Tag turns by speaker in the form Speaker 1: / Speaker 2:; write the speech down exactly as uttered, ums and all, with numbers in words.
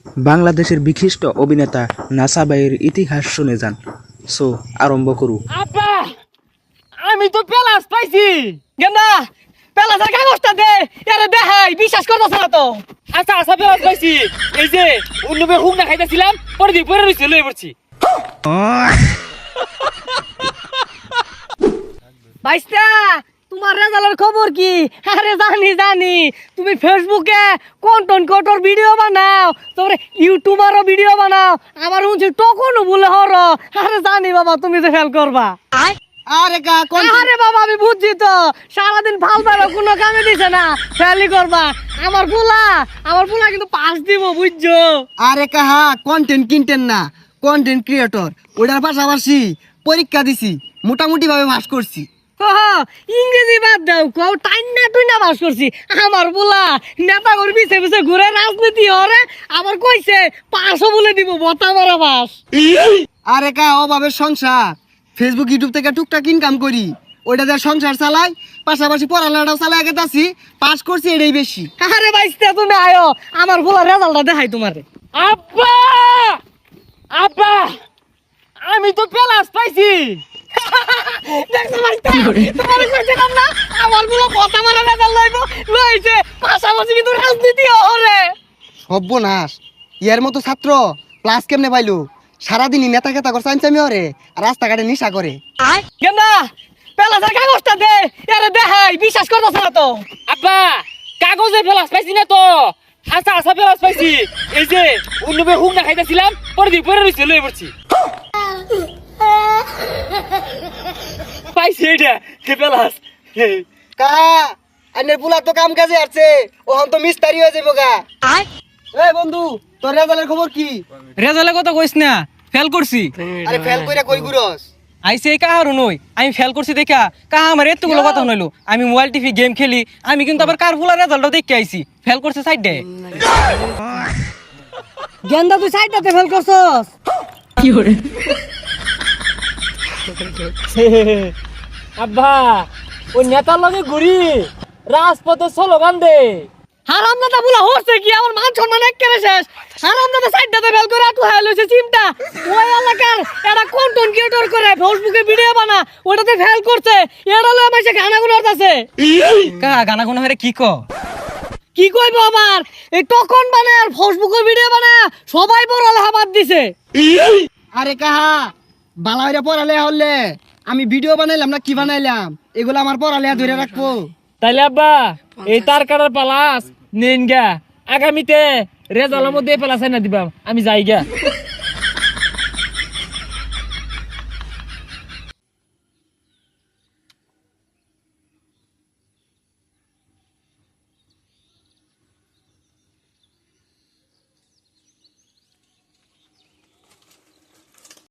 Speaker 1: বাংলাদেশের বিশিষ্ট অভিনেতা নাসা ভাইয়ের ইতিহাস শুনে যান। সো আরম্ভ করু।
Speaker 2: আব্বা আমি তো পেলাস পাইছি গেন্দা পেলাসের কাগজটা দে আরে দেখাই বিশ্বাস করতেছ না তো। আচ্ছা আচ্ছা পেলাস পাইছি এই যে অন্যবে হুক না খাইতেছিলাম পরে দিয়ে পরে রইছে লই পড়ছি। বাইস্তা তোমার রেজাল্টের খবর কি? আরে জানি জানি তুমি ফেসবুকে কন্টেন্ট ক্রিয়েটর ভিডিও বানাও, তারপরে ইউটিউবারও ভিডিও বানাও, আমার উনছি টোকনও বলে হর। আরে জানি বাবা তুমি যে ফেল করবা।
Speaker 3: আরে কা কোন
Speaker 2: আরে বাবা আমি বুঝছি তো সারাদিন ভাল ভালো কোনো কামে দিছে না, ফেলই করবা। আমার পোলা আমার পোলা কিন্তু পাস দিব বুঝছো।
Speaker 3: আরে কাহা কন্টেন্ট কিনতেন না, কন্টেন্ট ক্রিয়েটর ওটার পাশাপাশি পরীক্ষা দিছি, মোটামুটি ভাবে পাস করছি।
Speaker 2: ওহ, ইংরেজি বাদ দাও কও টাইম না তুই না বাস করছি। আমার পোলা নেতা করে পিছে পিছে ঘুরে রাজনীতি হরে আবার কইছে পাঁচশো বলে দিব বতা মারা পাস।
Speaker 3: আরে কা অভাবের সংসার, ফেসবুক ইউটিউব থেকে টুকটাক ইনকাম করি, ওইটা দিয়ে সংসার চালাই, পাশাপাশি পড়ালেখাটাও চালাই গেতাছি, পাস করছি এটাই বেশি।
Speaker 2: আরে বাইস্তা তুমি আয়ো আমার পোলা রেজাল্টটা দেখাই তোমারে। আব্বা আব্বা আমি তো পেলাস পাইছি। দেখছো বাইস্তা তোমারে কইছিলাম না আমার পোলা বতা মারা রেজাল্ট লইব, লইছে পাশাপাশি কিন্তু রাজনীতি হরে।
Speaker 3: সর্বনাশ, ইয়ার মতো ছাত্র ক্লাস কেমনে পাইলো? সারাদিনই নেতা খেতা করে চাইছি আমি ওরে, আর রাস্তাঘাটে নিশা করে।
Speaker 2: গেন্দা পেলাসের কাগজটা দে আরে দেখাই বিশ্বাস করতেছ না তো। আব্বা কাগজে পেলাস পাইছি না তো, আচ্ছা আচ্ছা পেলাস পাইছি এই যে অন্যবে হুক না খাইতেছিলাম পরে দিয়ে পরে রইছে লই পড়ছি। পাইছি এটা কে পেলাস।
Speaker 3: কা আইনের পুলা তো কাম কাজে আসছে, ওহন তো মিস্তারি হয়ে যাবো গা। এই বন্ধু তোর রেজাল্টের খবর কি?
Speaker 4: রেজাল্টের কথা কইস না, ফেল করছি।
Speaker 3: আরে ফেল কইরা কই গুরস?
Speaker 4: আইসে কাহারও নই, আমি ফেল করছি দেখা কাহা আমার এতগুলো কথা শুনাইলো। আমি মোবাইল টিভি গেম খেলি, আমি কিন্তু আবার কার ফুলার রেজাল্টও দেখে আইছি, ফেল করছে সাইড দে।
Speaker 2: গেন্দা তুই সাইডটাতে ফেল করছস কি করে? আব্বা ওই নেতার লগে ঘুরি রাজপথে স্লোগান দে। হারাম দাদা বলা হচ্ছে কি আমার মান সম্মান একেবারে শেষ। হারাম দাদা সাইডটাতে ফেল করে আটু হাই লইছে চিমটা। ওই এলাকার এটা কন্টেন্ট ক্রিয়েটর করে ফেসবুকে ভিডিও বানা, ওটাতে ফেল করছে। এটা লয় মাইছে গানা গুলো আছে।
Speaker 4: কাহা গানা গুনা হরে কি ক?
Speaker 2: কি কইব আবার এই টকন বানায় আর ফেসবুকে ভিডিও বানায় সবাই পড়ালেখা বাদ দিছে।
Speaker 3: আরে কাহা বালা হইরা পড়ালেখা হলে আমি ভিডিও বানাইলাম না কি বানাইলাম, এগুলো আমার পড়ালেখা ধরে রাখবো।
Speaker 2: তাইলে আব্বা এই তার কাটার পালাস নেন গা, আগামীতে রেজাল্টের মধ্যে পেলাস না দিবা, আমি যাই গা।